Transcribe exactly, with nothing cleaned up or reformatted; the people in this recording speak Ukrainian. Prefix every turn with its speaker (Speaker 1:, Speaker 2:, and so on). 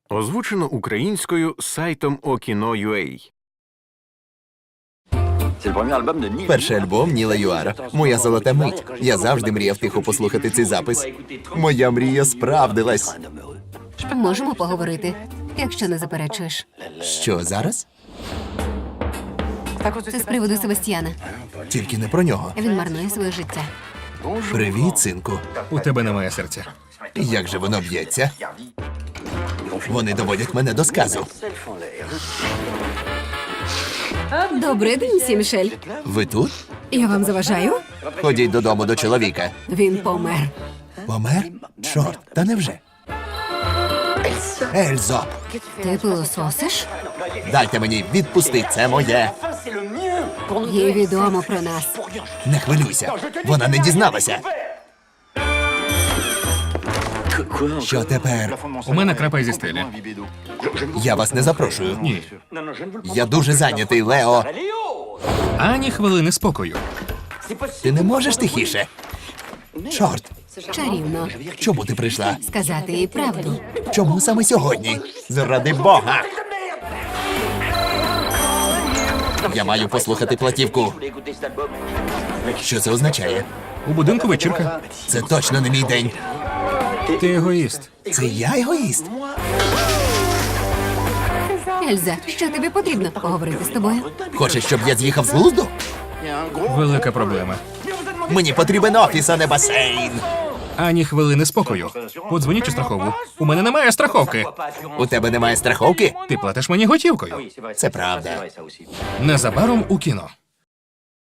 Speaker 1: Озвучено українською сайтом Okino.ua.
Speaker 2: Перший альбом Ніла Юара. Моя золота мить. Я завжди мріяв тихо послухати цей запис. Моя мрія справдилась.
Speaker 3: Можемо поговорити, якщо не заперечуєш.
Speaker 2: Що, зараз?
Speaker 3: Це з приводу Себастьяна.
Speaker 2: Тільки не про нього.
Speaker 3: Він марнує своє життя.
Speaker 2: Привіт, синку.
Speaker 4: У тебе немає серця.
Speaker 2: Як же воно б'ється? Вони доводять мене до сказу.
Speaker 3: Добрий день, сі, Мішель.
Speaker 2: Ви тут?
Speaker 3: Я вам заважаю?
Speaker 2: Ходіть додому до чоловіка.
Speaker 3: Він помер.
Speaker 2: Помер? Чорт, та невже? Ельзо,
Speaker 3: Ти пилососиш?
Speaker 2: дайте мені, відпусти, це моє.
Speaker 3: Їй відомо про нас.
Speaker 2: Не хвилюйся, вона не дізналася. Що тепер?
Speaker 4: У мене крапає зі стелі.
Speaker 2: Я вас не запрошую.
Speaker 4: Ні.
Speaker 2: Я дуже зайнятий, Лео.
Speaker 4: Ані хвилини спокою.
Speaker 2: Ти не можеш тихіше? Чорт,
Speaker 3: Чарівно.
Speaker 2: чому ти прийшла?
Speaker 3: Сказати їй правду.
Speaker 2: Чому саме сьогодні? Заради Бога! Я маю послухати платівку. Що це означає?
Speaker 4: У будинку вечірка.
Speaker 2: Це точно не мій день.
Speaker 4: Ти егоїст.
Speaker 2: Це я егоїст.
Speaker 3: Ельза, що тобі потрібно? Поговорити з тобою?
Speaker 2: Хочеш, щоб я з'їхав з глузду?
Speaker 4: Велика проблема.
Speaker 2: Мені потрібен офіс, а не басейн.
Speaker 4: Ані хвилини спокою. Подзвоніть у страхову. У мене немає страховки.
Speaker 2: У тебе немає страховки?
Speaker 4: Ти платиш мені готівкою.
Speaker 2: Це правда.
Speaker 4: Незабаром у кіно.